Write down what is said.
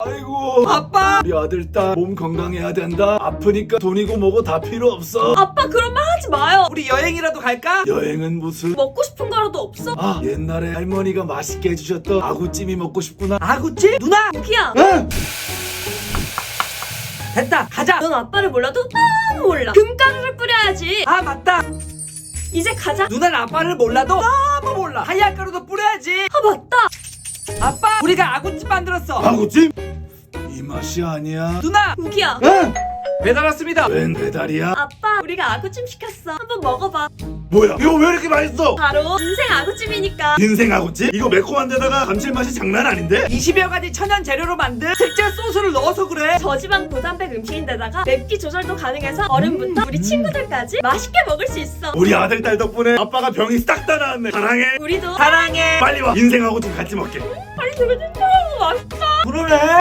아이고 아빠! 우리 아들 딸 몸 건강해야 된다. 아프니까 돈이고 뭐고 다 필요 없어. 아빠 그런 말 하지 마요. 우리 여행이라도 갈까? 여행은 무슨 먹고 싶은 거라도 없어? 아 옛날에 할머니가 맛있게 해주셨던 아구찜이 먹고 싶구나. 아구찜? 누나! 우기야, 응? 됐다 가자! 넌 아빠를 몰라도 너무 몰라. 금가루를 뿌려야지. 아 맞다! 이제 가자. 누나는 아빠를 몰라도 너무 몰라. 하얀 가루도 뿌려야지. 아 맞다. 아빠 우리가 아구찜 만들었어. 아구찜? 이 맛이 아니야. 누나 우기야, 응? 배달 왔습니다. 웬 배달이야? 아빠 우리가 아구찜 시켰어. 한번 먹어봐. 뭐야 이거 왜 이렇게 맛있어? 바로 인생 아구찜이니까. 인생 아구찜? 이거 매콤한 데다가 감칠맛이 장난 아닌데? 20여 가지 천연 재료로 만든 특제 소스를 넣어서 그래. 저지방 고단백 음식인데다가 맵기 조절도 가능해서 어른부터 우리 친구들까지 맛있게 먹을 수 있어. 우리 아들 딸 덕분에 아빠가 병이 싹 다 나았네. 사랑해. 우리도 사랑해. 빨리 와. 인생 아구찜 같이 먹게. 빨리 들어줘. 맛있다. 그러네.